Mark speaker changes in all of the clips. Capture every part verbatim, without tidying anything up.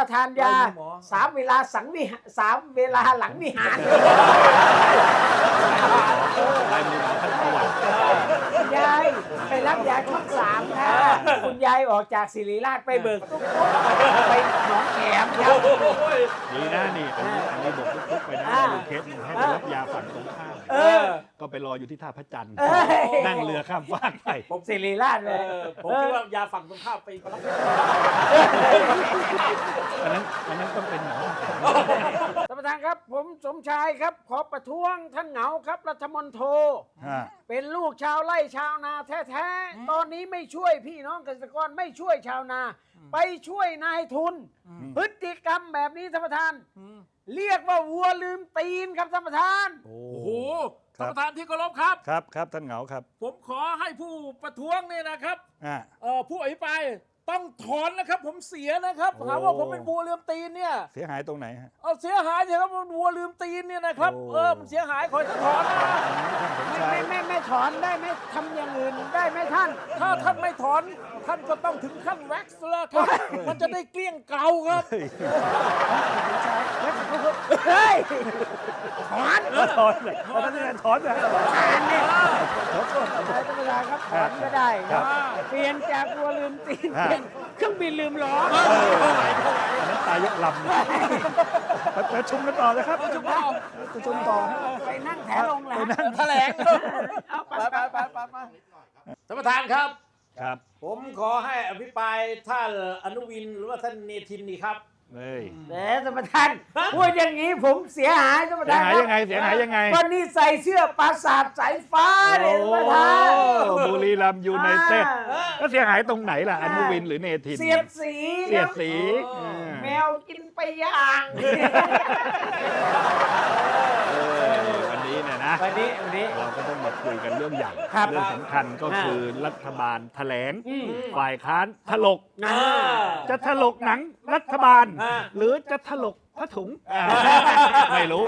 Speaker 1: ทานยาสามเวลาสังวิหารสามเวลาหลังวิหาร
Speaker 2: ลายมือหมอท่านประวัติ
Speaker 1: คุณยายไปรับยาช่องสามค่ะคุณยายออกจากศิริราชไปเบิกตุ๊กไปหนองแขมครับ
Speaker 2: ดีนะนี่อันนี้อันนี้บอกทุกๆไปนะมีเคสหนึ่งให้ไปรับยาฝั่งตรงข้าม
Speaker 1: เออ
Speaker 2: ก็ไปรออยู่ที่ท่าพระจันทร์
Speaker 1: เอ้ย
Speaker 2: นั่งเรือข้ามฟากไป
Speaker 1: ผมศิริราชเลย
Speaker 3: ผมคิดว่ายาฝั่งตรงข้ามไปรับ
Speaker 2: อันนั้นอันนั้นต้องเป็นหมอ
Speaker 1: ท่านประธานครับผมสมชายครับขอประท้วงท่านเหงาครับรัฐมนโท เป็นลูกชาวไร่ชาวนาแท้ๆตอนนี้ไม่ช่วยพี่น้องเกษตรกรไม่ช่วยชาวนา ไปช่วยนายทุน พฤติกรรมแบบนี้ท่านประธาน เรียกว่าวัวลืมตีนครับท่านประธาน
Speaker 2: โอ้
Speaker 3: โอ้โหท่านประธานที่เคารพครับ
Speaker 2: ครับครับท่านเหงาครับ
Speaker 3: ผมขอให้ผู้ประท้วงเนี่ยนะครับ
Speaker 2: อ่า
Speaker 3: เอ่อผู้อภิปรายต้องถอนนะครับ ผมเสียนะครับ
Speaker 2: โอ้
Speaker 3: หาว่าผมเป็นวัวลืมตีนเนี่ย
Speaker 2: เสียหายตรงไหนฮะ
Speaker 3: เอาเสียหายเนี่ยครับมันวัวลืมตีนเนี่ยนะครับ
Speaker 2: โอ้
Speaker 3: เออมันเสียหายขอให้ถอนนะ
Speaker 2: ท่านสม
Speaker 1: ไม่
Speaker 2: ชาย
Speaker 1: ไม่ไม่ไม่ถอนได้ไหมทำอย่างอื่นได้ไหมท่าน
Speaker 3: ถ้าท่านไม่ถอนท่านก็ต้องถึงขั้นแว็กซ์แล้วครับ มันจะได้เกลี้ยงเกลาครับ
Speaker 1: เฮ้ยถอน
Speaker 2: ถอนเลยท่านถอนเลย
Speaker 1: ทานเนี่ยท่านประธานครับถอนก็ได้
Speaker 2: ครับ
Speaker 1: เปลี่ยนจากวัวลืมตีน
Speaker 2: ครับ
Speaker 1: เป็นเครื่องบินลืมล้อ
Speaker 2: อันนั้นตายยกลำนะไปประชุมกันต่อนะครับประชุมต่อประชุมต่อ
Speaker 1: ไปนั่งแถลงแหลม
Speaker 3: แถลง
Speaker 1: เอาไป
Speaker 3: ไปไปไปไปท่านประธานครับ
Speaker 2: ครับ
Speaker 3: ผมขอให้อภิปรายท่านอนุวินหรือว่าท่านเนธินนี่ครับ
Speaker 2: เฮ้ย
Speaker 1: แหมท่านประธานพูดอย่างนี้ผมเสียหายท่านประ
Speaker 2: เสีย
Speaker 1: ธาน
Speaker 2: หาย
Speaker 1: ครับ
Speaker 2: ยังไงเสียหายยังไง
Speaker 1: ก็นี่ใส่เสื้อปราสาทสายฟ้าเนี่ยท่านประธาน
Speaker 2: โอ้บุรีรัมย์ยูไนเต็ด
Speaker 1: อ่า
Speaker 2: ก็เสียหายตรงไหนล่ะอนุวินหรือเนธิน
Speaker 1: เสียดสี
Speaker 2: เสียดสี
Speaker 3: เออ
Speaker 2: า
Speaker 1: แมวกินไปย่าง
Speaker 2: เออวันนี้เนี่ยนะ
Speaker 1: วันนี้วันนี้
Speaker 2: เราก็ต้องมาคุยกันเรื่องใหญ่
Speaker 1: ครับ
Speaker 2: เรื่องสำคัญก็คือรัฐบาลแถลง
Speaker 1: อืม
Speaker 2: ฝ่ายค้านถลก
Speaker 1: อ่า
Speaker 2: จะถลกหนังรัฐบาล
Speaker 3: อ่า
Speaker 2: หรือจะถลกผ้าถุงอ่าไม่รู้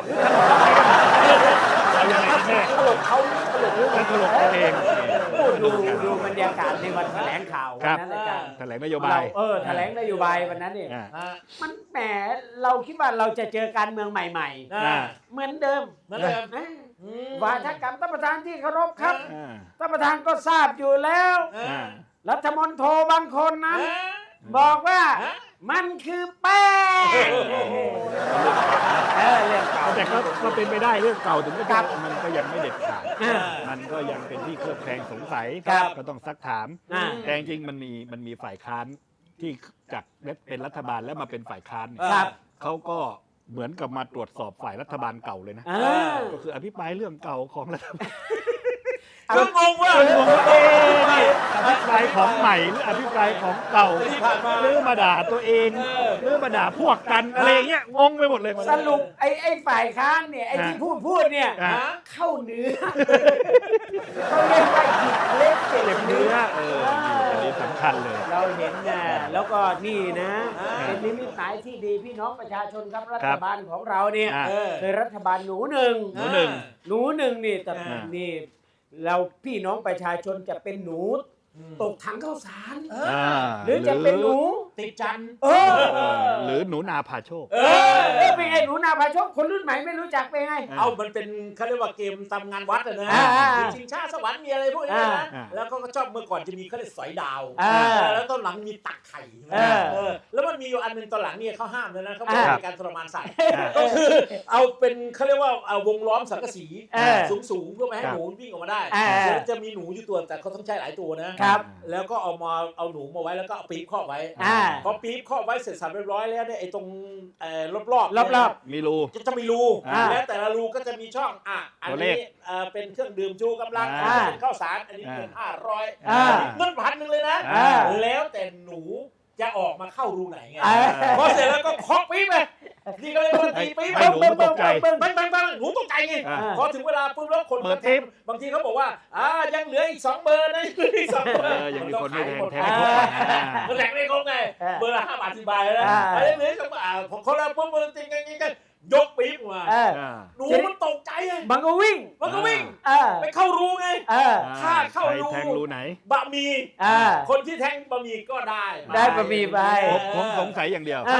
Speaker 2: เอายังไงกันแน่
Speaker 1: ตลกเขาตลกรู้
Speaker 2: จะถลกตัวเอง
Speaker 1: พูดดูดูบรรยากาศในวันแถลงข่าว
Speaker 2: ค
Speaker 1: วั
Speaker 2: รั
Speaker 1: น
Speaker 2: บ
Speaker 1: นั้นอาจารย์
Speaker 2: แถลงนโยบาย
Speaker 1: เรเออแถลงนโยบายวันนั้นเนี่ย
Speaker 2: อ่า
Speaker 3: อ่า
Speaker 1: มันแหมเราคิดว่าเราจะเจอการเมืองใหม่
Speaker 3: อ่า
Speaker 1: ๆ เหมือนเดิม
Speaker 3: เหมือนเดิม
Speaker 1: นะ
Speaker 3: อืม
Speaker 1: วาทกรรมท่านประธานที่เคารพครับ
Speaker 2: อ่า
Speaker 1: ท่านประธานก็ทราบอยู่แล้ว
Speaker 3: อ่า
Speaker 2: อ่า
Speaker 1: รัฐมนตรีบางคนนั้น
Speaker 3: อ่า
Speaker 1: บอกว่า
Speaker 3: ฮะ
Speaker 1: มันคือแป้งเออเรื่องเก่า
Speaker 2: แต่ก็ก็เป็นไปได้เรื่องเก่าถึงก็
Speaker 1: ครั
Speaker 2: จะ
Speaker 1: บ
Speaker 2: มันก็ยังไม่เด็ดขาด
Speaker 1: อ่า
Speaker 2: มันก็ยังเป็นที่เคลือบแคลงสงสัย
Speaker 1: ครับ
Speaker 2: ก็ต้องซักถาม
Speaker 1: อ่า
Speaker 2: แต่จริงๆมันมีมันมีฝ่ายค้านที่จากเป็นรัฐบาลแล้วมาเป็นฝ่ายค้านเนี่ย
Speaker 1: ครับ
Speaker 2: เขาก็เหมือนกับมาตรวจสอบฝ่ายรัฐบาลเก่าเลยนะ
Speaker 1: อ่า
Speaker 2: ก็คืออภิปรายเรื่องเก่าของรัฐบาล
Speaker 3: คืองงว่า
Speaker 2: งงว่าเอ๊ะนี่อภิปรายของใหม่หรืออภิปรายของเก่า
Speaker 3: ที่ผ่านมา
Speaker 2: หรือมาด่าตัวเองหรือมาด่าพวกกันอะไรอย่างเงี้ยงงไปหมดเลย
Speaker 1: สรุปไอ้ไอ้ฝ่ายค้านเนี่ยไอ้ที่พูดพูดเนี่ย
Speaker 2: อ่า
Speaker 1: เข้าเนื้อเขาเรียกว่าหยิบเล็กเจ็บ
Speaker 2: เจ็บ
Speaker 1: เนื้
Speaker 2: เนื้
Speaker 1: อ
Speaker 2: อเอออันนี้สำคัญเลย
Speaker 1: เราเห็นนะแล้วก็นี่นะ
Speaker 3: อ่า
Speaker 1: เป็นนิมิตหมายที่ดีพี่น้องประชาชนครับรั
Speaker 2: ครั
Speaker 1: ฐ
Speaker 2: บ
Speaker 1: บาลของเราเนี่ย
Speaker 2: อ่า
Speaker 3: เออ
Speaker 1: คือรัฐบาลหนูหนึ่ง
Speaker 2: หนูหนึ่ง
Speaker 1: หนูหนึ่งนี่แต่
Speaker 3: อ่า
Speaker 1: นี่เราพี่น้องประชาชนจะเป็นหนูตกถังข้าวสาร
Speaker 3: เอ
Speaker 2: อ่า
Speaker 1: หรือจะเป็นหนู
Speaker 3: ติดจันทร์
Speaker 1: เออ
Speaker 2: เออหรือหนูนาพาโชค
Speaker 1: เออเออเป็นไงหนูนาพาโชคคนรุ่นใหม่ไม่รู้จักเป็นไง
Speaker 3: เอามันเป็นเขาเรียกว่าเกมตามงานวัดอะนะ
Speaker 1: อ่าอ่า
Speaker 3: มีชิงชาสวรรค์มีอะไรพวกนี้นะ
Speaker 2: อ่า
Speaker 3: แล้วก็ชอบเมื่อก่อนจะมีเขาเรียกสอยดาว
Speaker 1: อ่า
Speaker 3: แล้วตอนหลังมีตักไข่
Speaker 1: เออ
Speaker 3: เออแล้วมันมีอยู่อันหนึงตอนหลังเนี่ยเขาห้ามเลยนะเขาบอก
Speaker 1: อ่า
Speaker 3: ในการทรมานสัตว์
Speaker 2: อ่า
Speaker 3: ก็คือเอาเป็นเขาเรียกว่าเอาวงล้อมสังกะสี
Speaker 1: เออ
Speaker 3: สูงสูงๆเพื่อไม่ให้
Speaker 2: ครับ
Speaker 3: หนูวิ่งออกมาได้
Speaker 1: อ่า
Speaker 3: แล้วจะมีหนูอยู่ตัวแต่เขาต้องใช้หลายตัวนะครับ แล้วก็เอามาเอาหนูมาไว้แล้วก็เอาปี๊บครอบไว้
Speaker 1: อ่า
Speaker 3: พอปี๊บครอบไว้เสร็จสับเรียบร้อยแล้วเนี่ยไอ้ตรงเอ่อรอบๆ
Speaker 1: รอบๆ
Speaker 3: เนี่ย
Speaker 2: มีรู
Speaker 3: จะจะมีรู
Speaker 2: อ่า
Speaker 3: และแต่ละรูก็จะมีช่องอ่ะอัน
Speaker 2: ตัวเล
Speaker 3: นี้
Speaker 2: ข
Speaker 3: เอ่อเป็นเครื่องดื่มชูกำลัง
Speaker 2: อ่า
Speaker 3: อันนี้เป็นข้าวสารอันนี้เป็นห้าร้อย
Speaker 1: อ่า
Speaker 3: เงินพันหนึ่งเลยนะ
Speaker 1: อ่า
Speaker 3: แล้วแต่หนูจะออกมาเข้ารูไหนไง
Speaker 1: อ่า
Speaker 3: พอเสร็จแล้วก็เคาะปี๊บไปนี่ก็เลยว่าตีปี๊บ
Speaker 2: ให้หนูมันตกใจ
Speaker 3: เบิ้งเบิ้งเบิ้งเบิ้งหนูตกใจไง
Speaker 2: อ่า
Speaker 3: พอถึงเวลาปุ๊บแล้วคน
Speaker 2: เปิดปี๊บ
Speaker 3: บางทีเขาบอกว่าอ่ายังเหลืออีกสองเบอร์นะยังเหลืออีกสองเบอ
Speaker 2: เอ
Speaker 3: ร์
Speaker 2: อยังมีคนไม่แทงแทง
Speaker 3: อ่า
Speaker 2: ทุกคนอ่า
Speaker 3: มันแทงไม่ครบไง
Speaker 1: อ่า
Speaker 3: เบอร์ละห้าบาทสิบบาทนะ
Speaker 1: อ่า
Speaker 3: อะไรเหลือสองบาทพอเขาแล้วปุ๊บมันจริงจริงกันยกปี๊บมา
Speaker 1: เออ
Speaker 2: อ่า
Speaker 3: หนูมันตกใจไง
Speaker 1: มันก็วิ่ง
Speaker 3: มันก็วิ่ง
Speaker 1: เออ
Speaker 3: ไปเข้ารูไง
Speaker 1: เออ
Speaker 3: ถ้าเข้ารู
Speaker 2: ใครแทงรูไหน
Speaker 3: บะหมี่
Speaker 1: อ่า
Speaker 3: คนที่แทงบะหมี่ก็ได้
Speaker 1: ได้บะหมี่ไป
Speaker 2: ผมผมสงสัยอย่างเดียว
Speaker 1: อ่า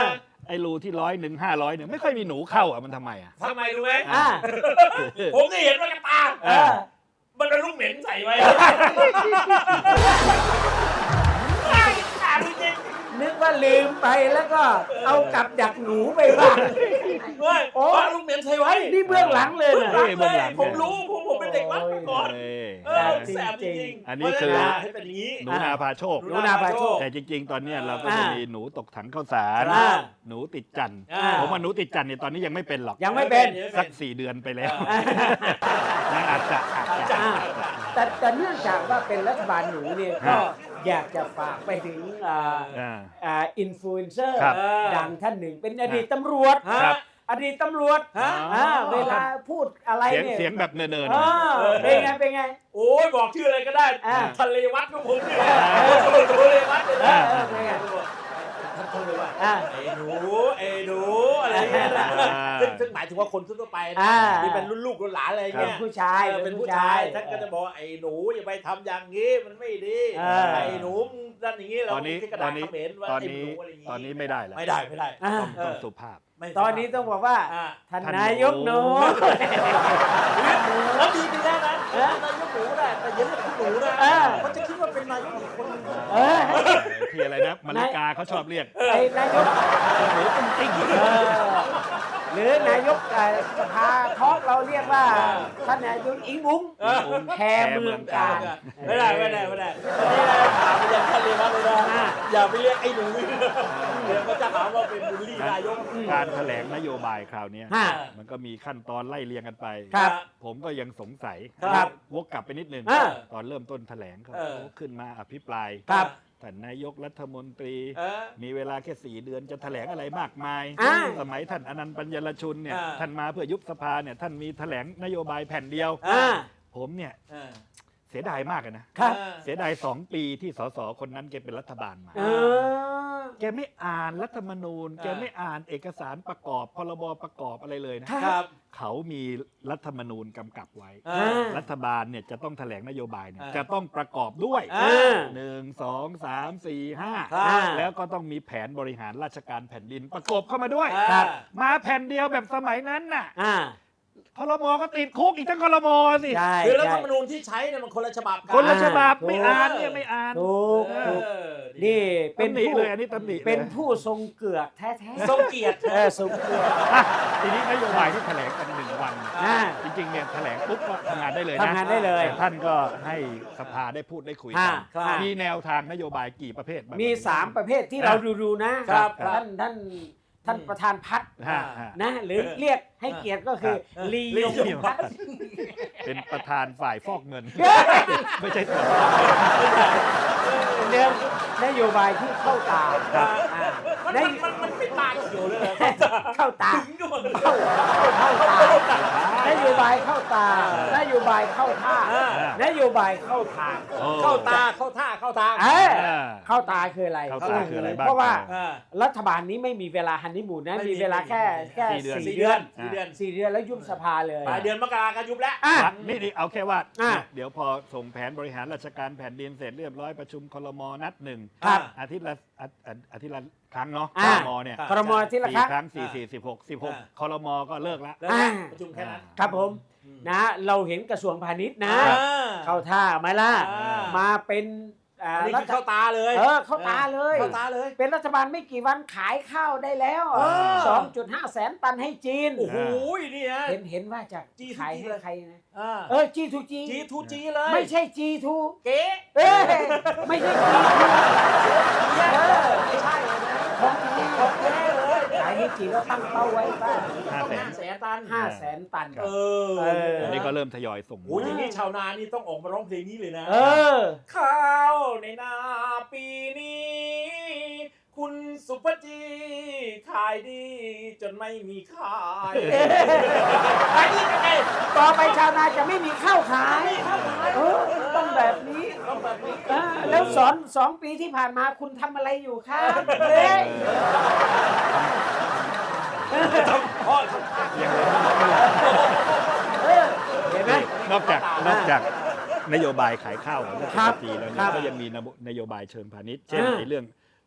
Speaker 2: ไอ้รูที่ร้อยหนึ่งห้าร้อยเนี่ยไม่ค่อยมีหนูเข้าอ่ะมันทำไมอ่ะ
Speaker 3: ทำไมรู้ไหม
Speaker 1: อ่า
Speaker 3: ผมได้เห็นว่ากระตา
Speaker 1: เออ
Speaker 3: มันเป็นลูกเหม็นใส่ไว้ขาดจริง
Speaker 1: นึกว่าลืมไปแล้วก็เอากับดักหนูไปบ้าง
Speaker 3: ๆเฮ้ย
Speaker 1: โอ้
Speaker 3: ว่าลูกเหม็นใส่ไว้
Speaker 1: นี่เบื้องหลังเลย
Speaker 3: เบื้อง
Speaker 1: นะ
Speaker 3: หลัง
Speaker 2: เบื้
Speaker 3: เล
Speaker 2: อง
Speaker 3: ย
Speaker 2: หลัง
Speaker 3: ผมรู้ผมผมเป็นเด็กวัดมาก่อน
Speaker 2: เอ้ย
Speaker 3: เออแสบจริงๆ
Speaker 2: อันนี้คือ
Speaker 3: เพราะฉะให้เป็นอย่างนี้
Speaker 2: หนูนาพาโชค
Speaker 1: หนูนาพาโชค
Speaker 2: แต่จริง ๆ ตอนเนี้ยเราก็
Speaker 1: อ่า
Speaker 2: จะมีหนูตกถังข้าวสาร
Speaker 1: อ่า
Speaker 2: หนูติดจันทร์
Speaker 3: อ่า
Speaker 2: ผมว่าหนูติดจันทร์เนี่ยตอนนี้ยังไม่เป็นหรอก
Speaker 1: ยังไม่เป็น
Speaker 2: สักสี่เดือนไปแล้วยังอาจจะอาจจะ
Speaker 1: อ่าแต่แต่เนื่องจากว่าเป็นรัฐบาลหนูเนี่ยก็อยากจะฝากไปถึงอ่า
Speaker 2: อ่า
Speaker 1: อ่าอินฟลูเอนเซอร์
Speaker 2: ครับ
Speaker 1: ดังท่านหนึ่งเป็นอดีตตำรวจ
Speaker 3: ฮะ
Speaker 2: ครับ
Speaker 1: อดีตตำรวจ
Speaker 3: ฮะ
Speaker 1: อ่าเวลาพูดอะไร
Speaker 2: เสียง
Speaker 1: เนี่ย
Speaker 2: เสียงแบบเนินๆ
Speaker 1: อ่าเป็นไงเป็นไง
Speaker 3: โอ้ยบอกชื่ออะไรก็ได้
Speaker 1: อ่า
Speaker 3: ทะเลวัดก็ผมนี่แหละทะเลวัดเลย
Speaker 1: เอ
Speaker 3: นะ
Speaker 1: อเออเป็นไง
Speaker 3: ท่านท่านเลยว่า
Speaker 1: อ่า
Speaker 3: ไอ้หนูไอ้หนูอะไรเงี้ยนะ
Speaker 2: อ่า
Speaker 3: ซึ่งซึ่งหมายถึงว่าคนทั่วไปนะ
Speaker 1: อ่า
Speaker 3: ที่เป็นรุ่นลูกรุ่นหลานอะไร
Speaker 1: เป็น
Speaker 3: เงี้ย
Speaker 1: ผู้ชาย
Speaker 3: เออเป็นผู้ชายท่านก็จะบอกว่าไอ้หนูอย่าไปทำอย่างนี้มันไม่ดี
Speaker 1: อ่า
Speaker 3: ไอ้หนูมึงนั่นอย่างนี้เรา
Speaker 2: ตอนนี้
Speaker 3: ที่กระ
Speaker 2: ตอ
Speaker 3: ดาน ษ
Speaker 2: นี้
Speaker 3: เขมรว่า
Speaker 2: ตอน
Speaker 3: ไอ้ห
Speaker 2: นี้
Speaker 3: นูอะไรอย่างงี้
Speaker 2: ตอนนี้ไม่ได้แล้ว
Speaker 3: ไม่ได้ไม่ได้
Speaker 1: อ่า
Speaker 2: ต้องต้องสุภาพ
Speaker 3: ไม่
Speaker 1: ตอนนี้ต้องบอกว่า
Speaker 3: อ่า
Speaker 1: ท่าน
Speaker 2: ท่าน
Speaker 1: นายกหนู
Speaker 3: แล้วดีกันแล้วนะ
Speaker 1: เออ
Speaker 3: นายกหนูได้แต่อยันเรียกคุณหนูนะ
Speaker 1: เออ
Speaker 3: เขาจะคิดว่าเป็นนายกอีกคนนึง
Speaker 1: เออ
Speaker 2: ที่อะไรนะมาริกาเขาชอบเรียก
Speaker 1: ไอ้นายก
Speaker 2: หนูตุ้งติ้ง
Speaker 1: เออหรือนายกเอ่อสภาทอกเราเรียกว่าท่านนายกอิงบุ้ง
Speaker 3: เออ
Speaker 1: แคร์เมืองการ
Speaker 3: ไม่ได้ไม่ได้ไม่ได้วันนี้นะถามไปยังท่านเลยว่าเลยนะอย่าไปเรียกไอ้หนูเดี๋ยวเขาจะหาว่าเป็นบูลลี่นายก
Speaker 2: การแถลงนโยบายคราวเนี้ย
Speaker 1: ฮะ
Speaker 2: มันก็มีขั้นตอนไล่เรียงกันไป
Speaker 1: ครับ
Speaker 2: ผมก็ยังสงสัย
Speaker 3: ครับ
Speaker 2: วกกลับไปนิดนึง
Speaker 1: อ่า
Speaker 2: ตอนเริ่มต้นแถลงเขา
Speaker 3: เออ
Speaker 2: ขึ้นมาอภิปราย
Speaker 1: ครับ
Speaker 2: ท่านนายกรัฐมนตรี
Speaker 3: เออ
Speaker 2: มีเวลาแค่สี่เดือนจะแถลงอะไรมากมาย
Speaker 1: อ่า
Speaker 2: สมัยท่านอนันต์ปัญญรชุนเนี่ย
Speaker 3: อ่า
Speaker 2: ท่านมาเพื่อยุบสภาเนี่ยท่านมีแถลงนโยบายแผ่นเดียว
Speaker 1: อ่า
Speaker 2: ผมเนี่ย
Speaker 3: เออ
Speaker 2: เสียดายมากเลยนะ
Speaker 1: ครับ
Speaker 2: เสียดายสองปีที่สสคนนั้นแกเป็นรัฐบาลมา
Speaker 1: เออ
Speaker 2: แกไม่อ่านรัฐธรรมนูญ
Speaker 3: อ่า
Speaker 2: แกไม่อ่านเอกสารประกอบพรบประกอบอะไรเลยนะ
Speaker 3: ครับ
Speaker 2: เขามีรัฐธรรมนูญกำกับไว้
Speaker 3: เออ
Speaker 2: รัฐบาลเนี่ยจะต้องแถลงนโยบายเนี่ย
Speaker 3: อ่า
Speaker 2: จะต้องประกอบด้วย
Speaker 3: อ่า
Speaker 2: หนึ่งสองสามสี่ห้า
Speaker 3: ครับ
Speaker 2: แล้วก็ต้องมีแผนบริหารราชการแผ่นดินประกอบเข้ามาด้วย
Speaker 3: ครับ
Speaker 2: มาแผ่นเดียวแบบสมัยนั้นน่ะ
Speaker 1: อ่า
Speaker 2: ครมก็ติดคุกอีกทั้งครมสิ
Speaker 1: ใช่
Speaker 3: คือรัฐ
Speaker 1: ใช่
Speaker 3: ธรรมนูญที่ใช้เนี่ยมันคนละฉบับกั
Speaker 2: คนละฉบับ
Speaker 1: ถูก
Speaker 2: ไม่อ่านเนี่ยไม่อ่าน
Speaker 1: ถูก
Speaker 3: เอ
Speaker 1: ถูก
Speaker 3: อ
Speaker 1: นี่เป็น
Speaker 2: ตำหนิ
Speaker 1: ผู้
Speaker 2: เลยอันนี้ตำหนิลย
Speaker 1: เป็นผู้ทรงเกือกแท้ๆ
Speaker 3: ทรงเกียรติ
Speaker 1: เออทรงเกือก
Speaker 2: อ่ะทีนี้นโยบายที่แถลงกันหนึ่งวัน
Speaker 1: อ่า
Speaker 2: จริงๆเนี่ยแถลงปุ๊บก็ทำงานได้เลยนะ
Speaker 1: ทำงานได้เลย
Speaker 2: แต่ท่านก็ให้สภาได้พูดได้คุยกัน
Speaker 1: อ่าครับ
Speaker 2: มีแนวทางนโยบายกี่ประเภทบ้ง
Speaker 1: มีสามประเภทที่เราดูดูๆนะครับ
Speaker 3: ครับ
Speaker 1: ท่านท่านท่านประธานพัฒน์
Speaker 2: ฮะฮะ
Speaker 1: นะหรือเรียกให้เกียรติก็คือ
Speaker 3: ครับ
Speaker 1: ลียงพัฒน์
Speaker 2: เป็นประธานฝ่ายฟอกเงิน ไม่ใช่ตัว
Speaker 1: เรื่องนโยบายที่เข้าตา
Speaker 3: ครับ
Speaker 1: อ่า
Speaker 3: มัน
Speaker 1: น
Speaker 3: มัน
Speaker 1: โย
Speaker 3: มันมันไม่ตายเกี่ยวเลย
Speaker 1: เข้าตา
Speaker 3: ถึงด้วย
Speaker 1: เข้าเข้าตานโยบายเข้าตา นโยบายเข้าท่า
Speaker 3: อ่าน
Speaker 1: โยบายเข้าทาง
Speaker 2: โอ้
Speaker 3: เข้าตาเข้าท่าเข้าทาง
Speaker 1: เอ้ย
Speaker 2: อ่า
Speaker 1: เข้าตาคืออะไร
Speaker 2: เข้าตาคืออะไรบ้าง
Speaker 1: เพราะว่า
Speaker 3: อ่า
Speaker 1: รัฐบาลนี้ไม่มีเวลาฮันนีมูนนะ
Speaker 3: ไม่มี
Speaker 1: มีเวลาแค่แค่
Speaker 2: สี่เดือน
Speaker 1: สี่
Speaker 3: สี่
Speaker 1: เดื
Speaker 3: เดื
Speaker 1: อ
Speaker 3: อน นสี่เดือน
Speaker 1: สี่เดือนแล้วยุบสภาเลย
Speaker 3: ปลายเดือนมกราก็ยุบแล้ว
Speaker 1: อ่ะ
Speaker 2: นี่นี่เอาแค่ว่า
Speaker 1: อ่ะ
Speaker 2: เดี๋ยวพอส่งแผนบริหารราชการแผ่นดินเสร็จเรียบร้อยประชุมครมนัดหนึ่ง
Speaker 1: ครับ
Speaker 2: อาทิตย์ละอาอาอาทิตย์ละครั้งเนาะ
Speaker 1: อ่ะ
Speaker 2: ครมเนี่ย
Speaker 3: ครับ
Speaker 1: ครมที่ละ
Speaker 2: สี่
Speaker 1: ครั้ง
Speaker 2: ครั้งสี่สี่สิบหกสิบหก
Speaker 3: อ่ะ
Speaker 2: ครมก็เลิกละ
Speaker 3: แล้วนะประชุมแค่นั้น
Speaker 1: ครับผม
Speaker 3: อืม
Speaker 1: นะเราเห็นกระทรวงพาณิชย์นะ
Speaker 3: อ่า
Speaker 1: เข้าท่าไหมล่ะ
Speaker 3: อ่าม
Speaker 1: มาเป็นอ่า
Speaker 3: อันนี้
Speaker 1: รั
Speaker 3: คือ
Speaker 1: ฐ
Speaker 3: เข้าตาเลย
Speaker 1: เออเข้าตาเลย
Speaker 3: เข้าตาเลย
Speaker 1: เป็นรัฐบาลไม่กี่วันขายข้าวได้แล้ว
Speaker 3: เออ
Speaker 1: สองจุดห้าแสนตันให้จีน
Speaker 3: โอ้โหนี่ฮะ
Speaker 1: เห็นเห็นว่าจะ
Speaker 3: จีทูจี
Speaker 1: ขายให้ใครนะ
Speaker 3: อ่า
Speaker 1: เออ จี ทู จี
Speaker 3: จีทูจีเลย
Speaker 1: ไม่ใช่ จี ทู
Speaker 3: เก๋
Speaker 1: เอ้ยไม่ใช่ จี ทู
Speaker 3: เออไม่ใช่เลยนะ
Speaker 1: ของแท้
Speaker 3: ของแท้เลย
Speaker 1: ขายให้จีนแล้วตั้งเป้าไว้ว่า
Speaker 2: ห้าแสน
Speaker 3: ห้าแสนตัน
Speaker 1: ห้าแสนตัน
Speaker 3: เออ
Speaker 1: เออ
Speaker 2: อันนี้ก็เริ่มทยอยส่ง
Speaker 3: โอ้ยอย่างนี้ชาวนานี่ต้องออกมาร้องเพลงนี้เลยนะ
Speaker 1: เออ
Speaker 3: ข้าวในนาปีนี้ คุณสุภจีขายดีจนไม่มีขายขายดียังไง
Speaker 1: ต่อไปชาวนาจะไม่มีข้าวขาย
Speaker 3: ไม่ข้าวขาย
Speaker 1: เออต้องแบบนี้
Speaker 3: ต้องแบบนี้
Speaker 1: เออแล้วสอนสองปีที่ผ่านมาคุณทำอะไรอยู่ครับเฮ้ย
Speaker 3: พ่อทำท่า
Speaker 2: ยังเลย
Speaker 1: เออเห็นไหม
Speaker 2: นอกจากนอกจากนโยบายขายข้าวของรัฐ
Speaker 1: ครับ
Speaker 2: มนตรีแล้ว
Speaker 1: ค
Speaker 2: เนี่
Speaker 1: รั
Speaker 2: ย
Speaker 1: บ
Speaker 2: ก็ยังมีนโยบายเชิงพาณิชย์เช่น
Speaker 1: อ่า
Speaker 2: ในเรื่อง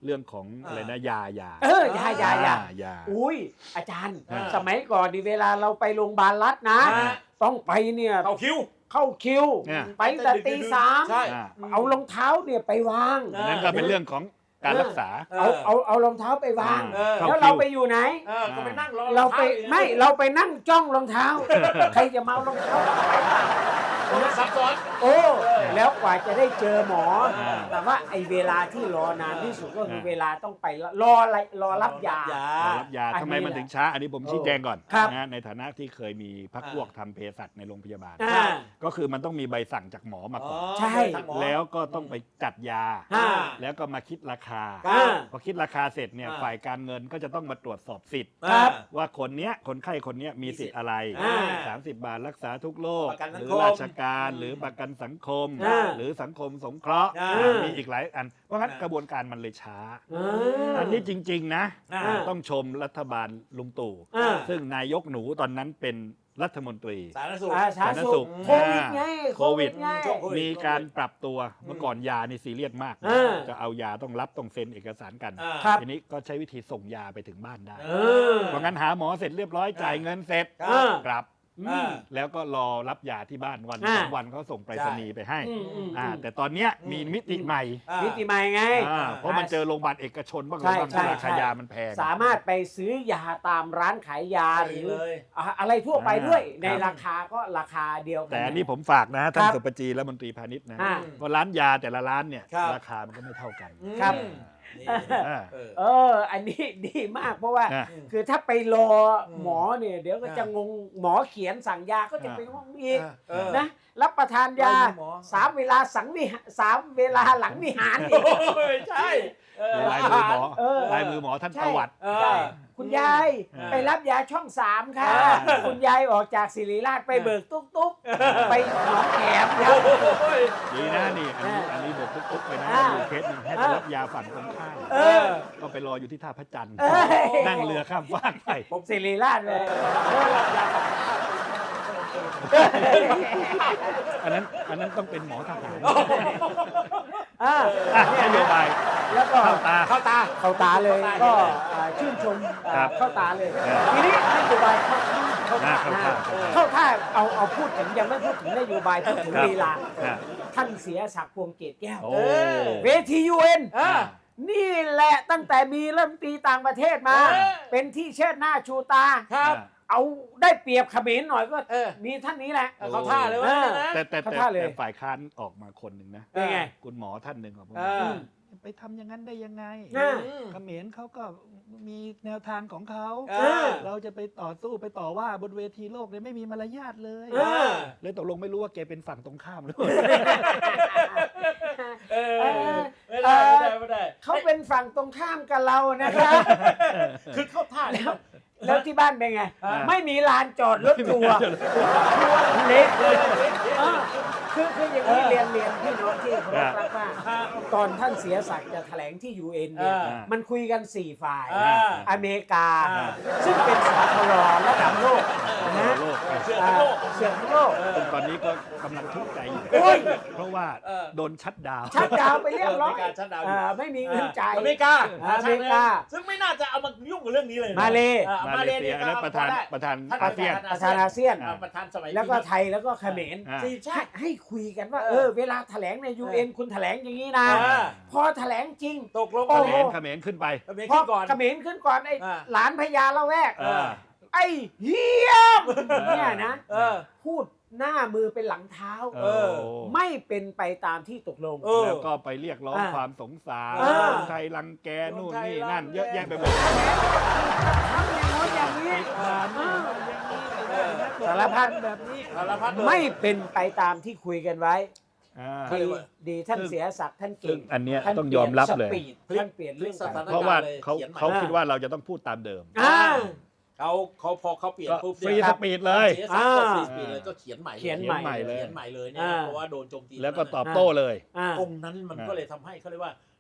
Speaker 2: เรื่องของอะไรนะยายา
Speaker 1: เออยายายา
Speaker 2: ยา
Speaker 1: อุ้ยอาจารย์
Speaker 2: อ่า
Speaker 1: สมัยก่อนนี่เวลาเราไปโรงพยาบาลรัฐนะ
Speaker 3: อ่า
Speaker 1: ต้องไปเนี่ย
Speaker 3: เอาคิว
Speaker 1: เข้าคิว
Speaker 2: เนี่ย
Speaker 1: ไปแต่ตีสาม
Speaker 3: ใช่
Speaker 2: อ่า
Speaker 1: เอารองเท้าเนี่ยไปวาง
Speaker 3: เอ
Speaker 2: อันนั้นก็เป็นเรื่องของการรักษา
Speaker 1: เอาเอาเอารองเท้าไปวาง
Speaker 3: เออ
Speaker 1: แล้วเราไปอยู่ไหน
Speaker 3: เออก็ไปนั่งรอ
Speaker 1: เราไป
Speaker 3: ท้อยู่นะ
Speaker 1: ไม่เราไปนั่งจ้องรองเท้า ใครจะมาเอารองเท้าไป
Speaker 3: โอ้ยซับซ้อน
Speaker 1: โอ้แล้วกว่าจะได้เจอหมอ
Speaker 2: อ่า
Speaker 1: แต่ว่าไอ้เวลาที่รอนานที่สุดก็คือ
Speaker 2: อ่า
Speaker 1: เวลาต้องไปรออะไรรอรับยา
Speaker 3: รอรับยา
Speaker 2: รอรับยา
Speaker 1: อันนี้
Speaker 2: ทำไมมัน
Speaker 1: แหละ
Speaker 2: ถึงช้า อันนี้ผมชี้แจงก่อน
Speaker 1: ครับ
Speaker 2: นะในฐานะที่เคยมีพัก
Speaker 3: อ่า
Speaker 2: พวกทำเภสัชในโรงพยาบาล
Speaker 1: อ่า
Speaker 2: ก็คือมันต้องมีใบสั่งจากหมอมาก่อน
Speaker 1: ใช่
Speaker 3: ทางหมอ
Speaker 2: แล้วก็ต้องไปจัดยา
Speaker 1: อ่า
Speaker 2: แล้วก็มาคิดราคา
Speaker 1: อ่า
Speaker 2: พอคิดราคาเสร็จเนี่ย
Speaker 3: อ่า
Speaker 2: ฝ่ายการเงินก็จะต้องมาตรวจสอบสิทธิ์
Speaker 1: ครับ
Speaker 2: ว่าคนเนี้ยคนไข้คนเนี้ยมีสิทธิ์อะไร
Speaker 1: อ่า
Speaker 2: สามสิบบาทรักษาทุกโรค
Speaker 3: ประกันสั
Speaker 2: ห
Speaker 3: ง
Speaker 2: รื
Speaker 3: คม
Speaker 2: ราชการ
Speaker 3: อืม
Speaker 2: หรือประกันสังคม
Speaker 1: อ่า
Speaker 2: หรือสังคมสงเคราะห์
Speaker 3: อ่า
Speaker 2: อ่ามีอีกหลายอัน เพราะงั้น
Speaker 3: อ่าก
Speaker 2: ระบวนการมันเลยช้า
Speaker 1: อ่า
Speaker 2: อันนี้จริง ๆ นะ
Speaker 3: อ่า
Speaker 2: ต้องชมรัฐบาลลุงตู่
Speaker 1: อ่า
Speaker 2: ซึ่งนายกหนูตอนนั้นเป็นรัฐมนตรี
Speaker 3: สาธารณสุข
Speaker 1: อ่าสาธารณสุข
Speaker 2: สาธารณสุข
Speaker 1: โควิดไง
Speaker 2: โควิด
Speaker 1: ไง
Speaker 3: ช่วงโควิด
Speaker 2: มีการปรับตัวเมื่อก่อนยานี่ซีเรียสมากนะ
Speaker 1: อ่า
Speaker 2: จะเอายาต้องรับต้องเซ็นเอกสารกัน
Speaker 3: อ่า
Speaker 1: ครับ
Speaker 2: ทีนี้ก็ใช้วิธีส่งยาไปถึงบ้านได้
Speaker 3: เอ
Speaker 1: อ
Speaker 2: เพราะงั้นหาหมอเสร็จเรียบร้อยจ่ายเงินเสร็จ
Speaker 3: ครับ
Speaker 1: อ่า
Speaker 2: กลับ
Speaker 1: อืม
Speaker 2: แล้วก็รอรับยาที่บ้านวัน
Speaker 1: อ่า
Speaker 2: สองวันเขาส่งไปรษณีย์ไปให้
Speaker 1: อืมอืม
Speaker 2: อ่า
Speaker 1: อืม
Speaker 2: แต่ตอนเนี้ยมีมิติใหม่
Speaker 3: อ่า
Speaker 1: มิติใหม่ไง
Speaker 2: อ่าเพราะมันเจอโรงพยาบาลเอกชนบ้าง
Speaker 1: ใช่
Speaker 2: อะไรบ้าง
Speaker 1: ใช่
Speaker 2: ราคายามันแพง
Speaker 1: สามารถไปซื้อยาตามร้านขายยาหรือ
Speaker 3: เลย
Speaker 1: อะอะไรทั่วไปด้วย
Speaker 2: อ่า
Speaker 1: ในราคาก็ราคาเดียวกั
Speaker 2: แต่อันนี้ผมฝากนะท่านสุปจีและมนตรีพาณิชย์นะ
Speaker 1: อ่า
Speaker 2: ว่าร้านยาแต่ละร้านเนี่ย
Speaker 3: ครับ
Speaker 2: ราคามันก็ไม่เท่ากัน
Speaker 1: ครับ
Speaker 3: นี่
Speaker 2: อ่า
Speaker 3: เออ
Speaker 1: เออ อันนี้ดีมากเพราะว่า
Speaker 2: อ่ะ
Speaker 1: คือถ้าไปรออ
Speaker 3: ม
Speaker 1: หมอเนี่ย เดี๋ยวก็
Speaker 3: อ่ะ
Speaker 1: จะงงหมอเขียนสั่งยาก็จะไปงงอีก
Speaker 3: เออ
Speaker 1: นะรับประทานยา
Speaker 3: ไม่มีหมอ
Speaker 1: สามเวลาสังวิหารสามเวลาหลังวิหารอี
Speaker 3: โอ้
Speaker 1: ก
Speaker 3: ยใช่เออ
Speaker 2: ลายมือหมอ
Speaker 1: เออ
Speaker 2: ลายมือหมอท่าน
Speaker 1: ใช่
Speaker 2: ประวัติ
Speaker 3: เออ
Speaker 1: ใช่คุณยาย
Speaker 2: เออ
Speaker 1: ไปรับยาช่องสามค่ะ
Speaker 3: เออ
Speaker 1: คุณยายออกจากศิริราชไปเบิกตุ๊กตุ๊กไปหนองแขมค
Speaker 3: โอ
Speaker 1: รับ
Speaker 3: ้ย
Speaker 2: ดีนะนี่อันนี้
Speaker 1: อ่า
Speaker 2: อันนี้บอกปุ๊บๆไปนะ
Speaker 1: อ่า
Speaker 2: ดูเคสหนึงให้ไปรับยาฝั่งตรงข้าม
Speaker 1: เออ
Speaker 2: ก็ไปรออยู่ที่ท่าพระจันทร์
Speaker 1: เอ้ย
Speaker 2: นั่งเรือข้ามฟากไป
Speaker 1: ผมศิริราชเลย
Speaker 2: อันนั้นอันนั้นต้องเป็นหมอทหาร
Speaker 1: อ่า
Speaker 2: อ่ะนโยบาย
Speaker 1: แล้วก็
Speaker 2: เข้าตา
Speaker 1: เข้าตาเข้าตาเลยก็อ่าชื่นชมอ่า
Speaker 2: ครับ
Speaker 1: เข้าตาเลย
Speaker 2: ครับ
Speaker 1: ทีนี้นโยบายเข้าเข้า
Speaker 2: อ่า
Speaker 1: ตา
Speaker 2: เข้า
Speaker 1: นะ
Speaker 2: ท่า
Speaker 1: เข้าท่าเอาเอาพูดถึงยังไม่พูดถึงนโยบายพูดถึง
Speaker 2: ครับ
Speaker 1: ลีลา
Speaker 2: อ่า
Speaker 1: ท่านเสียศักดิ์พวงเกตแก้ว
Speaker 2: โอ้
Speaker 1: เวทียูเอ็น
Speaker 3: อ่า
Speaker 1: นี่แหละตั้งแต่มีเริ่มตรีต่างประเทศมา
Speaker 3: เออ
Speaker 1: เป็นที่เชิดหน้าชูตา
Speaker 3: ครับ
Speaker 1: เอาได้เปรียบเขมรหน่อยก็
Speaker 3: เออ
Speaker 1: มีท่านนี้แหละ
Speaker 3: เขาท่าเลยว่างั้นนะ
Speaker 2: แต่แต่
Speaker 1: เข้า
Speaker 2: แต่
Speaker 1: ท่าเลย
Speaker 2: แต่ฝ่ายค้านออกมาคนหนึ่งนะ
Speaker 1: เป็นไง
Speaker 2: คุณหมอท่านหนึ่งของผม
Speaker 3: เออ
Speaker 2: ไปทำอย่างนั้นได้ยังไง
Speaker 1: อ่า
Speaker 2: เขมรเขาก็มีแนวทางของเขา
Speaker 3: เออ
Speaker 2: เราจะไปต่อสู้ไปต่อว่าบนเวทีโลกเนี่ยไม่มีมารยาทเลย
Speaker 1: เออ
Speaker 2: เลยตกลงไม่รู้ว่าแกเป็นฝั่งตรงข้ามหรือเปล่า
Speaker 3: เออ
Speaker 1: เออ
Speaker 3: ไม่ได้ไม่ได้ไม่ได้
Speaker 1: เขาเป็นฝั่งตรงข้ามกับเรานะครับ
Speaker 3: คือเข้าท่า
Speaker 1: แล้วแล้วที่บ้านเป็นไง
Speaker 3: อ่า
Speaker 1: ไม่มีลานจอดรถทัวร์ทัวร์เล็กเลยเออคือคืออย่างนี้เรียนเรียนพี่น้องที่เคารพรักว่าตอนท่านเสียศักดิ์จะแถลงที่ ยู เอ็น เนี่ย
Speaker 3: อ่า
Speaker 1: มันคุยกันสี่ฝ่าย
Speaker 3: อ่า
Speaker 1: อเมริกา
Speaker 3: อ่า
Speaker 1: ซึ่งเป็นสาธารณระดับโลกนะ
Speaker 2: โลก
Speaker 3: เชื่อทั้งโลก
Speaker 1: เสื่อมทั้งโลก
Speaker 2: ซึ่งตอนนี้ก็กำลังทุกข์ใจอยู่
Speaker 1: โอ้ย
Speaker 2: เพราะว่า
Speaker 3: เออ
Speaker 2: โดนชัดดาวน์
Speaker 1: ชัดดาวน์ไปเรียบร้อย
Speaker 3: อเมริกาชัดดาวน์อยู่
Speaker 1: อ่าไม่มีเงินจ่าย
Speaker 3: อเมริกา
Speaker 1: อเมริกา
Speaker 3: ซึ่งไม่น่าจะเอามายุ่งกับเรื่องนี้เลยนะ
Speaker 1: มาเล
Speaker 3: อ่
Speaker 2: มา
Speaker 3: มา
Speaker 2: เล
Speaker 3: เล
Speaker 2: เซี
Speaker 3: เนี่ย ย
Speaker 2: อันนั้นประธาน
Speaker 3: ได้
Speaker 2: ประธาน
Speaker 3: ท่าน
Speaker 2: อาเซียน
Speaker 1: ประธานอาเซียน
Speaker 3: อ่าประธานสมัย
Speaker 1: แล้วก็
Speaker 3: ที่
Speaker 1: ไทยแล้วก็เขมร
Speaker 2: อ่า
Speaker 3: สี่ชา
Speaker 1: ให้
Speaker 3: ติ
Speaker 1: ให้คุยกันว่า
Speaker 3: เอ
Speaker 1: เอ
Speaker 3: อ
Speaker 1: อ เวลาแถลงใน ยู เอ็น คุณแถลงอย่างนี้นะ
Speaker 3: อ่า
Speaker 1: พอแถลงจริง
Speaker 3: ตกลง
Speaker 1: โอ้
Speaker 2: เข
Speaker 1: โห
Speaker 2: มรเขมรขึ้นไป
Speaker 3: อเมริ
Speaker 1: พอก
Speaker 3: าก่อน
Speaker 1: เขมรขึ้นก่อนไอ้
Speaker 3: อ่า
Speaker 1: หลานพญาละแวก
Speaker 2: เออ
Speaker 1: ไอ้เฮียมเนี่ยนะ
Speaker 3: เออ
Speaker 1: พูดหน้ามือเป็นหลังเท้า
Speaker 2: เออ
Speaker 1: ไม่เป็นไปตามที่ตกลง
Speaker 3: เออ
Speaker 2: แล้วก็ไปเรียกร้อง
Speaker 1: อ่า
Speaker 2: ความสงสาร
Speaker 1: อ่า
Speaker 2: คนไทยรังแกนู่นนี่นั่น เยอะแยะไปหมด
Speaker 1: ทำอย่างโน้นอย่างนี้
Speaker 3: เออ
Speaker 1: สารพัด
Speaker 2: แบบนี้
Speaker 3: สารพัดเลย
Speaker 1: ไม่เป็นไปตามที่คุยกันไว้
Speaker 2: อ่า
Speaker 3: เขาเรี
Speaker 1: ดี
Speaker 3: ยกว่า
Speaker 1: ดีท่าน
Speaker 2: ซึ่ง
Speaker 1: เสียศักดิ์ท่าน
Speaker 2: ซึ่
Speaker 1: เก่
Speaker 2: ง
Speaker 1: ง
Speaker 2: อันเนี้ย
Speaker 1: ท่าน
Speaker 2: ต้องยอมรับเลย
Speaker 1: ปนสปีดท่านเปลี่ยนเรื่อง
Speaker 3: ส
Speaker 1: การ
Speaker 3: ถาน
Speaker 2: เพราะว่า
Speaker 3: เลย
Speaker 2: เขา
Speaker 3: เขียนใหม่
Speaker 2: เขาคิดว่าเราจะต้องพูดตามเดิม
Speaker 1: อ่า
Speaker 3: เขาเขาพอเขาเปลี่ยน
Speaker 2: ก็
Speaker 3: ปุ๊บ
Speaker 2: ฟรี
Speaker 3: เนี่ย
Speaker 2: สปีดเลย
Speaker 3: เสียศักดิ์ก็
Speaker 1: อ่า
Speaker 3: ฟรีสปีดเลยก็เขียนใหม่
Speaker 1: เขียน
Speaker 2: เขียนใหม่เลย
Speaker 3: เขียนใหม่เลยเนี่ย
Speaker 1: อ่า
Speaker 3: เพราะว่าโดนโจมตี
Speaker 2: แล้วก็ตอบโต้เลย
Speaker 1: อ่า
Speaker 3: ตรงนั้นมันก็เลยทำให้เขาเรียกว่า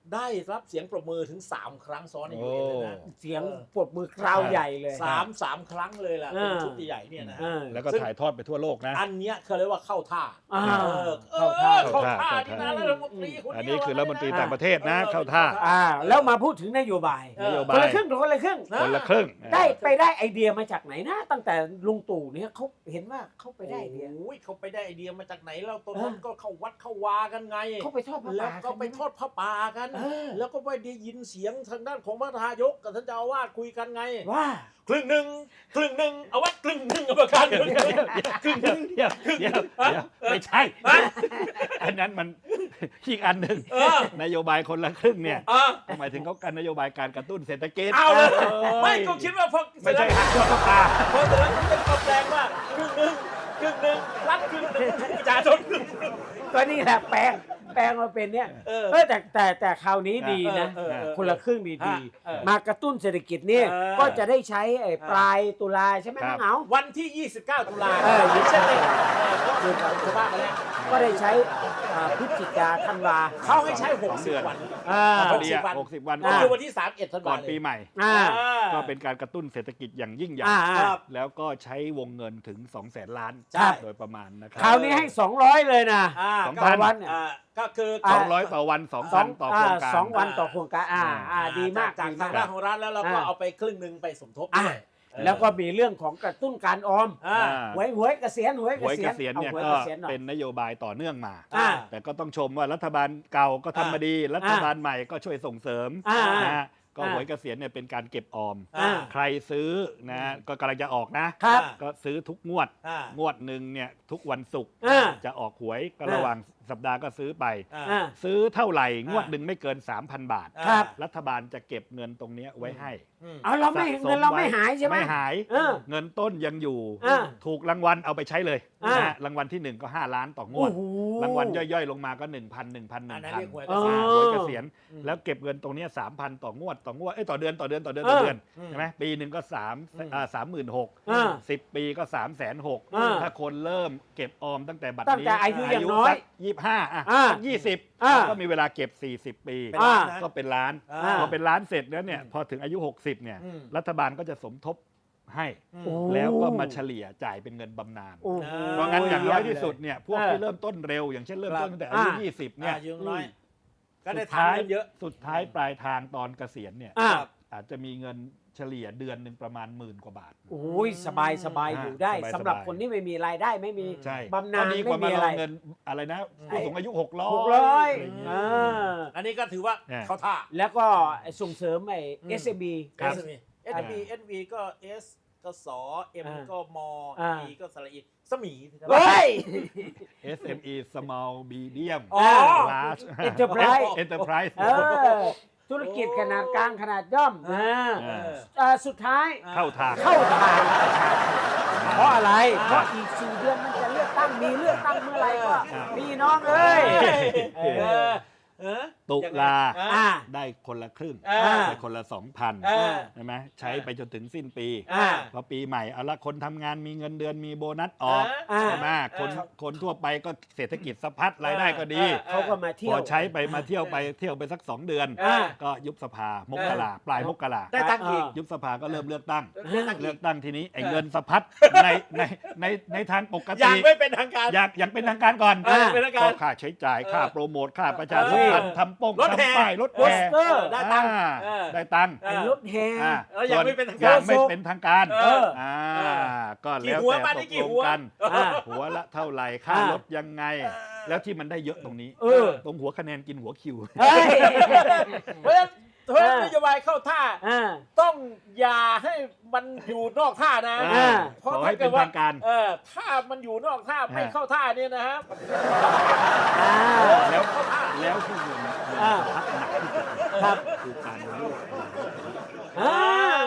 Speaker 3: ได้รับเสียงปรบมือถึงสามครั้งซ้อนในยูเอ็นเลยนะ
Speaker 1: เสียงปรบมือคราวใหญ่เลย
Speaker 3: สามสามครั้งเลยล่ะ
Speaker 1: เออ
Speaker 3: เป็นชุดใหญ่ๆเนี่ยนะ
Speaker 1: เอ
Speaker 3: ฮะ
Speaker 1: อ
Speaker 2: แล้วก็ถ่ายทอดไปทั่วโลกนะ
Speaker 3: อันเนี้ยเขาเรียกว่าเข้าท่า
Speaker 1: อ่า
Speaker 3: เออเอ
Speaker 1: เข้าท่า
Speaker 3: อเข้าท่า
Speaker 2: เข้าท่า
Speaker 3: นี่นะรัฐมนตรีคน
Speaker 2: อัน
Speaker 3: เดี
Speaker 2: นี้
Speaker 3: ยว
Speaker 2: คือรัฐมนตรี
Speaker 3: นะ
Speaker 2: ต่างประเทศนะ
Speaker 3: เออ
Speaker 2: เข้าท่า
Speaker 1: อ่าแล้วมาพูดถึงนโยบาย
Speaker 3: เออ
Speaker 2: นโย
Speaker 1: ค
Speaker 2: บาน ย
Speaker 1: ละครึ่งคนละครึ่ง
Speaker 2: คนละครึ่ง
Speaker 1: ได้ไปได้ไอเดียมาจากไหนนะ ตั้งแต่ลุงตู่เนี่ยเขาเห็นว่าเขาไปได้ไอเดีย
Speaker 3: โอ้ยเขาไปได้ไอเดียมาจากไหนแล้วตอน
Speaker 1: เออ
Speaker 3: นั้นก็เข้าวัดเข้าวากันไง
Speaker 1: เขาไปทอดผ้า
Speaker 3: แล้ว
Speaker 1: ป่า
Speaker 3: ก็ไปทอดผ้าป่ากัน
Speaker 1: เออ
Speaker 3: แล้วก็ไปได้ยินเสียงทางด้านของพระนายกกับท่านเจ้าอาวาสคุยกันไง
Speaker 1: ว่า
Speaker 3: ครึ่งหนึ่งครึ่งหนึ่งเอาวัดครึ่งหนึ่งเอาประกันครึ่งหนึ่งครึ่งหนึ่ง
Speaker 2: เดี๋ยวเดี๋ยวเดี๋ยวไม่ใช่ อันนั้นมันอีกอันหนึ่ง
Speaker 3: เออ
Speaker 2: นโยบายคนละครึ่งเนี่ย
Speaker 3: อ่ะ
Speaker 2: หมายถึงเขาการนโยบายการกระตุ้นเศรษฐกิจ
Speaker 3: เอาเลย
Speaker 2: ออ
Speaker 3: ไม่ก็คิดว่าพอ
Speaker 2: ไม่ใช่หักข้อตา
Speaker 3: พอเสร็จแล้วก็เป็นคำแปลงว่าครึ่งหนึ่งครึ่งหนึ่งรัฐครึ่งหนึ่งประชาชนครึ่งหนึ่ง
Speaker 1: ก็นี่แหละแปลงแปลงมาเป็นเนี่ย
Speaker 3: เออ
Speaker 1: เออแต่แต่แต่คราวนี้ดีนะ
Speaker 3: เออเออเออ
Speaker 1: คนละครึ่งดี
Speaker 3: ฮะ
Speaker 1: ดี
Speaker 3: เออ
Speaker 1: มากระตุ้นเศรษฐกิจเนี่ย
Speaker 3: เออ
Speaker 1: ก็จะได้ใช้ไอ้ปลายตุลาใช่ไหม
Speaker 2: ครับ
Speaker 1: น้องเหงา
Speaker 3: วันที่ ยี่สิบเก้า ตุลา
Speaker 1: เออ
Speaker 3: อย่างเช่นเลยเออก็คือว่ามาแล้ว
Speaker 1: ก็ได้ใช้อ่าพฤศจิกาธันวา
Speaker 3: เขาให้ใช้
Speaker 2: สองเดือน
Speaker 3: หกสิบ วัน
Speaker 1: อ่า
Speaker 2: พอดีอะ
Speaker 3: วัน
Speaker 2: หกสิบวัน
Speaker 3: ก็
Speaker 2: ก่อน
Speaker 3: คือวันที่ สามสิบเอ็ด ธัน
Speaker 2: ก่
Speaker 3: วา
Speaker 2: อนปีใหม่
Speaker 1: อ่า
Speaker 2: ก็เป็นการกระตุ้นเศรษฐกิจอย่างยิ่งใหญ่
Speaker 1: อ่าอ่า
Speaker 3: ครับ
Speaker 2: แล้วก็ใช้วงเงินถึงสองแสนล้าน
Speaker 3: ใช่
Speaker 2: โดยประมาณนะครั
Speaker 1: คราวนี้ให้สองร้อยเลยนะ
Speaker 3: อ่า
Speaker 2: สอง
Speaker 3: ก็
Speaker 2: พัน
Speaker 1: วันเนี่ย
Speaker 3: อ่าก็คือ
Speaker 2: สองร้อยต่อวันสอง
Speaker 1: ส
Speaker 2: พั
Speaker 1: อน ง
Speaker 2: ต่อโครงการ
Speaker 1: สองวันต่อโครงการอ่าอ่าดีมาก
Speaker 3: จาก
Speaker 1: ดี
Speaker 3: ทาง
Speaker 1: มาก
Speaker 3: ด้านของรัฐแล้วเราก็
Speaker 1: อ่า
Speaker 3: เอาไปครึ่งหนึ่งไปสมทบ
Speaker 1: อ่า
Speaker 3: ด้วยเออ
Speaker 1: แล้วก็มีเรื่องของกระตุ้นการออม
Speaker 3: อ่า
Speaker 1: หวยหวยเกษียณหวย
Speaker 2: หวยเกษียณเนี่ย
Speaker 1: อาหวย
Speaker 2: ก็
Speaker 1: เกษียณหน่อย
Speaker 2: เป็นนโยบายต่อเนื่องมา
Speaker 1: อ่า
Speaker 2: แต่ก็ต้องชมว่ารัฐบาลเก่าก็ทำมาดี รัฐบาลใหม่ก็ช่วยส่งเสริม
Speaker 1: อ่า
Speaker 2: นะฮะก็
Speaker 1: อ่า
Speaker 2: หวยเกษียณเนี่ยเป็นการเก็บออม
Speaker 3: อ่า
Speaker 2: ใครซื้อนะก็กำลังจะออกนะ
Speaker 1: ครับ
Speaker 2: ก็ซื้อทุกงวด
Speaker 3: อ่าง
Speaker 2: วดหนึ่งเนี่ยทุกวันศุกร์
Speaker 1: อ่า
Speaker 2: จะออกหวยก็
Speaker 1: อ่า
Speaker 2: ระหว่างสัปดาห์ก็ซื้อไป
Speaker 3: อ่า
Speaker 1: อ่า
Speaker 2: ซื้อเท่าไหร่งวด
Speaker 3: อ่า
Speaker 2: หนึ่งไม่เกิน สามพัน บาท
Speaker 3: อ่า
Speaker 1: ครับ
Speaker 2: รัฐบาลจะเก็บเงินตรงเนี้ยไว้ให้
Speaker 3: อืม
Speaker 1: เอาเราไม่
Speaker 2: สะส
Speaker 1: เงินเราไม่
Speaker 2: ว้
Speaker 1: หายใช่ไหม
Speaker 2: ไม่หาย
Speaker 1: เออ
Speaker 2: เงินต้นยังอยู่
Speaker 1: อ่า
Speaker 2: ถูกรางวัลเอาไปใช้เลย
Speaker 1: อ่า
Speaker 2: นะฮะรางวัลที่หนึ่งก็ห้าล้านต่อง
Speaker 1: โอ้
Speaker 2: วด
Speaker 1: โห
Speaker 2: รางวัลย่อยๆ ลงมาก็ หนึ่งพัน หนึ่งพัน
Speaker 3: อันนั้น
Speaker 2: ห
Speaker 3: เรี
Speaker 2: นึ่
Speaker 3: ย
Speaker 2: ง
Speaker 3: กหวย
Speaker 2: พัน
Speaker 3: เกษียณ
Speaker 2: หวยเกษียณ
Speaker 3: อืม
Speaker 2: แล้วเก็บเงินตรงเนี้สามพันต่องวดต่องวดเอ้ยต่อเดือนต่อเดือนต่อเดือน
Speaker 1: เออ
Speaker 2: ต่อเดือน
Speaker 3: อืม
Speaker 2: ใช่ไหมปีหนึ่งก็สาม
Speaker 3: อืม
Speaker 2: อ่าสามหมื่นหก
Speaker 1: อ่า
Speaker 2: สิบปีก็สามแสนหก
Speaker 1: อ่า
Speaker 2: ถ้าคนเริ่มเก็บออมตั้งแต่บัด
Speaker 1: ตั้ง
Speaker 2: นี้
Speaker 1: แต่อายุอย่างน้อย
Speaker 2: ยี่ห้าอ่ะ
Speaker 1: อ่า
Speaker 2: ยี่สิบ
Speaker 1: อ่า
Speaker 2: ก็มีเวลาเก็บสี่สิบปี
Speaker 3: เป็นล้านนะ
Speaker 2: ก็เป็นล้าน
Speaker 3: อ่า
Speaker 2: พอเป็นล้านเสร็จแล้วเนี่ยพอถึงอายุหกสิบเนี่ย
Speaker 3: อืม
Speaker 2: รัฐบาลก็จะสมทบให้
Speaker 3: อืม
Speaker 1: โอ้
Speaker 2: แล้วก็มาเฉลี่ยจ่ายเป็นเงินบำนาญ
Speaker 1: โอ้โห
Speaker 2: เพราะงั้นอย่างน้อยที่สุดเนี่ยพวก
Speaker 1: เออ
Speaker 2: ที่เริ่มต้นเร็ว อย่างเช่นเริ่มต้นตั้งแต่อายุ
Speaker 1: อ่า
Speaker 2: ยี่สิบเนี่ย
Speaker 3: อ่ายืมน้อย ก็ได้
Speaker 2: สุดท้าย
Speaker 3: ทำกันเยอะ
Speaker 2: สุดท้ายปลายทางตอนเกษียณเนี่ย
Speaker 1: อ่า
Speaker 2: อาจจะมีเงินเฉลี่ยเดือนหนึ่งประมาณหมื่นกว่าบาท
Speaker 1: โอ้ยสบายสบาย
Speaker 2: อ่า
Speaker 1: อยู่ได้
Speaker 2: สบาย
Speaker 1: สำหรับ
Speaker 2: สบาย
Speaker 1: คนที่ไม่มีรายได้ไม่มี
Speaker 2: ใช่
Speaker 1: บำนาญ
Speaker 2: ก็ดีกว่า
Speaker 1: ไม่
Speaker 2: มา
Speaker 1: มี
Speaker 2: ร
Speaker 1: อะไร
Speaker 2: อเงินอะไรนะผู้สูงอายุหกร้อย
Speaker 1: หกร้อย
Speaker 2: ะไรเงี้ย
Speaker 1: อ่า
Speaker 3: อันนี้ก็ถือว่า
Speaker 2: เนี่ย
Speaker 3: เขาท่า
Speaker 1: แล้วก็ส่งเสริมไอ้
Speaker 3: อืม
Speaker 1: เอส เอ็ม บี
Speaker 2: ครับ
Speaker 3: เอส บี เอส บี เอส บี ก็ S ก็สอ M
Speaker 1: อ่า
Speaker 3: ก็ม
Speaker 1: อ่า
Speaker 3: E ก็สระอีสมี
Speaker 1: เฮ้ย
Speaker 2: เอส เอ็ม อี small medium
Speaker 3: อ๋อ
Speaker 2: large
Speaker 1: Enterprise
Speaker 2: enterprise
Speaker 1: เออธุรกิจขนาดกลางขนาดย่อมอ่า
Speaker 2: เออ
Speaker 1: เอ่อสุดท้าย
Speaker 2: เข้าทาง
Speaker 1: เข้าทางประชาชนเพราะอะไร เพราะอีกสี่เดือนมันจะเลือกตั้งมีเลือกตั้งเมื่อไหร่ก็
Speaker 2: อ่า
Speaker 1: พี่น้องเอ้ย
Speaker 3: เออเออ
Speaker 2: ตุลา
Speaker 1: อ่า
Speaker 2: ได้คนละครึ่ง
Speaker 3: อ่า
Speaker 2: ได้คนละสองพัน
Speaker 3: อ่า
Speaker 2: ใช่ไหมใช้ไปจนถึงสิ้นปี
Speaker 1: อ่า
Speaker 2: พอปีใหม่เอาละคนทำงานมีเงินเดือนมีโบนัสออก
Speaker 1: อ่า
Speaker 2: ใช่ไหมคนคนทั่วไปก็เศรษฐกิจสะพัดรายได้ก็ดี
Speaker 1: เขาก็มาเที่
Speaker 2: พ
Speaker 1: ยว
Speaker 2: อใช้ไปมาเที่ยวไปเที่ยวไปสักสองเดือน
Speaker 1: อ่า
Speaker 2: ก็ยุบสภามกราปลายมกรา
Speaker 3: ได้ตังค์อีก
Speaker 2: ยุบสภาก็เริ่มเลือกตั้ง
Speaker 3: ได้ตังค์อี
Speaker 2: เลือก
Speaker 3: ก
Speaker 2: ตั้งทีนี้ไอ้เงินสะพัดในในในในทางปก
Speaker 3: อ
Speaker 2: ติ
Speaker 3: ย่างไม่เป็นทางการ
Speaker 2: อยากอยากเป็นทางการก่อน
Speaker 3: เออเป็นทางการ
Speaker 2: ก็ค่าใช้จ่าย
Speaker 3: เออ
Speaker 2: ค่าโปรโมทค่าประชาสัมพันธ์
Speaker 3: เออ
Speaker 2: ทำป้อง
Speaker 3: รถแห่
Speaker 2: ทำป้ายรถ
Speaker 1: โป
Speaker 2: แห่
Speaker 1: สเตอร์
Speaker 3: ได้ตังค์
Speaker 2: อ่า
Speaker 3: เออ
Speaker 2: ได้ตังค์
Speaker 3: เอ
Speaker 1: ไอ้
Speaker 3: อ
Speaker 1: รถแห่
Speaker 2: อ่า
Speaker 3: แล้วยังไม่เป็นทางการ
Speaker 2: ยังไม่เป็นทางการ
Speaker 3: เออ
Speaker 2: อ่า
Speaker 3: เออ
Speaker 2: ก็
Speaker 3: กี่
Speaker 2: แล้ว
Speaker 3: หัว
Speaker 2: แต่
Speaker 3: บ้าน
Speaker 2: ต
Speaker 3: นี้
Speaker 2: ก
Speaker 3: กี่
Speaker 2: ลง
Speaker 3: หัว
Speaker 2: กัน
Speaker 1: อ่า
Speaker 2: หัวละเท่าไหร่ค่า
Speaker 1: อ่าร
Speaker 2: รถยังไง แล้วที่มันได้เยอะตรงนี้
Speaker 1: เออ
Speaker 2: ตรงหัวคะแนนกินหัวคิว
Speaker 1: เฮ้ย
Speaker 3: เพราะฉะนั้นเพราะฉะนั้น
Speaker 1: เออ
Speaker 3: นโยบายเข้าท่า
Speaker 1: อ่า
Speaker 3: ต้องอย่าให้มันอยู่นอกท่านะ
Speaker 1: อ่า
Speaker 3: เพราะ
Speaker 2: ขอให้
Speaker 3: ถ้าเกิดว่า
Speaker 2: เป็นทางการ
Speaker 3: เออถ้ามันอยู่นอกท่าไม่
Speaker 2: อ่า
Speaker 3: เข้าท่าเนี่ยนะฮะ
Speaker 1: อ่า
Speaker 2: แล้วแล้วที่เงินเงิน
Speaker 1: อ่า
Speaker 2: พักหนักที่สุด
Speaker 1: ครับ
Speaker 2: คือการเลือก
Speaker 1: อ่า
Speaker 2: ใน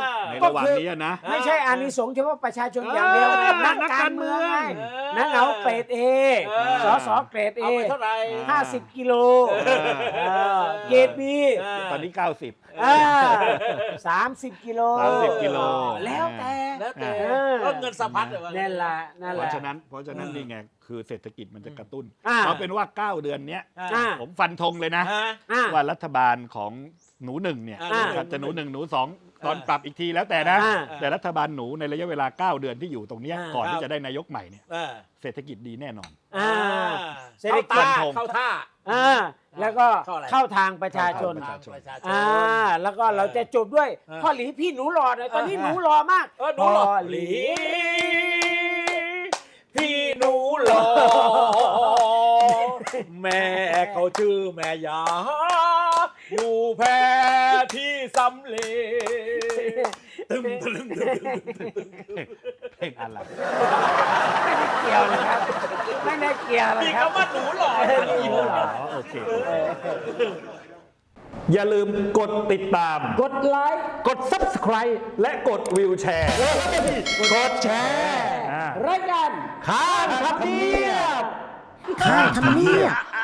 Speaker 2: ระหว่างนี้นะ
Speaker 1: ไม่ใช่อานิสงส์เฉพาะประชาชนอย่างเดียว
Speaker 2: เออ
Speaker 1: นักการเมืองไง
Speaker 3: เออ
Speaker 1: นักเหงาเกรดเอ
Speaker 3: เออ
Speaker 1: สสเกรดเอ
Speaker 3: เอาไปเท่าไหร่
Speaker 1: ห้าสิบกิโลเออเกรดบี
Speaker 3: เออ
Speaker 2: ตอนนี้เก้าสิบ
Speaker 1: สามสิบกิโล
Speaker 2: สามสิบกิโล
Speaker 1: แล้วแต่
Speaker 3: แล้วแต่
Speaker 1: เออ
Speaker 3: ก็เงินสะพัดเลยว่า
Speaker 1: นั่นแหละนั่น
Speaker 2: เพ
Speaker 1: แหละ
Speaker 2: ราะฉะนั้นเพราะฉะนั้นนี่ไงคือเศรษฐกิจมันจะกระตุ้น
Speaker 1: อ่า
Speaker 2: เอาเป็นว่าเก้าเดือนเนี้ย
Speaker 1: อ่า
Speaker 2: ผมฟันธงเลยนะ
Speaker 3: ฮะ
Speaker 1: อ่ะ
Speaker 2: ว่ารัฐบาลของหนูหนึ่งเนี่ย
Speaker 3: อ่า
Speaker 2: นะครับจะหนูหนึ่งหนูสองตอนปรับอีกทีแล้วแต่นะ
Speaker 1: อ่า
Speaker 2: แต่รัฐบาลหนูในระยะเวลาเก้าเดือนที่อยู่ตรงเนี้ย
Speaker 1: อ่า
Speaker 2: ก่อน
Speaker 3: ครั
Speaker 2: ที่
Speaker 3: บ
Speaker 2: จะได้นายกใหม่เนี่ย
Speaker 3: เออ
Speaker 2: เศรษฐกิจดีแน่นอน
Speaker 1: อ่า เศรษฐ
Speaker 3: เข้า
Speaker 1: กิจ
Speaker 3: ท่าเข้าท่า
Speaker 1: อ่าแล้วก็
Speaker 3: เข้าอะไร
Speaker 1: เข้าทางประชาชน
Speaker 2: เข้าทาง
Speaker 3: ประชาชน
Speaker 1: อ่าแล้วก็เราจะจบด้วย
Speaker 3: เออ
Speaker 1: พ่อหลีพี่หนูหล่อหน่อยตอนนี้
Speaker 2: เออ
Speaker 1: หนูหล่อมาก
Speaker 3: เออหนูหล่อ
Speaker 1: พ่อห
Speaker 3: ห
Speaker 1: ลี
Speaker 3: ลีพี่หนูหล่อแม่เขาชื่อแม่ยาอยู่แพร่ที่สำเร็จตึมตึมตึมตึมตึมตึม
Speaker 2: เพลงอะไร
Speaker 1: เกี่ยวเลยครับไม่ได้เกี่ยวเลย
Speaker 3: มี
Speaker 1: ครับ
Speaker 3: คำว่าหนูหล่อได้ยิน
Speaker 1: หนูหล่อ
Speaker 2: อ๋อโอเค
Speaker 4: อย่าลืมกดติดตาม
Speaker 1: กดไลค์
Speaker 4: กด Subscribe และกดวิวแชร์ กดแชร์
Speaker 2: อ่า
Speaker 1: รายการ
Speaker 4: ข้ามทำเนียบ
Speaker 1: ข้างทำเนียบ